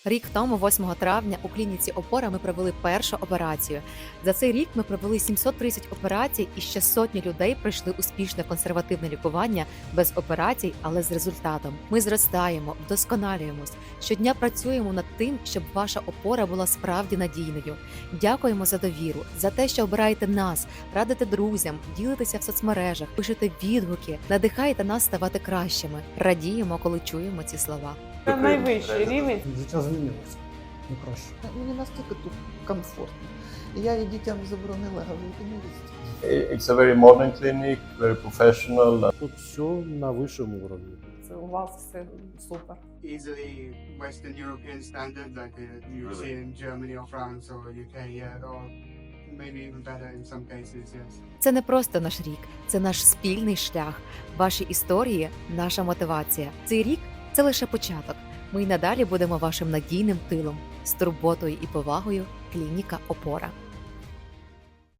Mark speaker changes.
Speaker 1: Рік тому, 8 травня, у клініці «Опора» ми провели першу операцію. За цей рік ми провели 730 операцій, і ще сотні людей пройшли успішне консервативне лікування без операцій, але з результатом. Ми зростаємо, вдосконалюємось. Щодня працюємо над тим, щоб ваша опора була справді надійною. Дякуємо за довіру, за те, що обираєте нас, радите друзям, ділитеся в соцмережах, пишете відгуки, надихаєте нас ставати кращими. Радіємо, коли чуємо ці слова.
Speaker 2: Це найвищий рівень.
Speaker 3: Життя змінилося. Не краще.
Speaker 4: Мені настільки тут комфортно. Я і дітям заборонила говорити не їсти.
Speaker 5: It's a very modern clinic, very professional.
Speaker 3: Тут все на вищому уровні.
Speaker 2: Це у вас все супер.
Speaker 6: Easily Western European standard, like you see in Germany or France or UK, yeah, or maybe even better in some cases, yes.
Speaker 1: Це не просто наш рік, це наш спільний шлях. Ваші історії – наша мотивація. Цей рік – це лише початок. Ми й надалі будемо вашим надійним тилом. З турботою і повагою – клініка «Опора».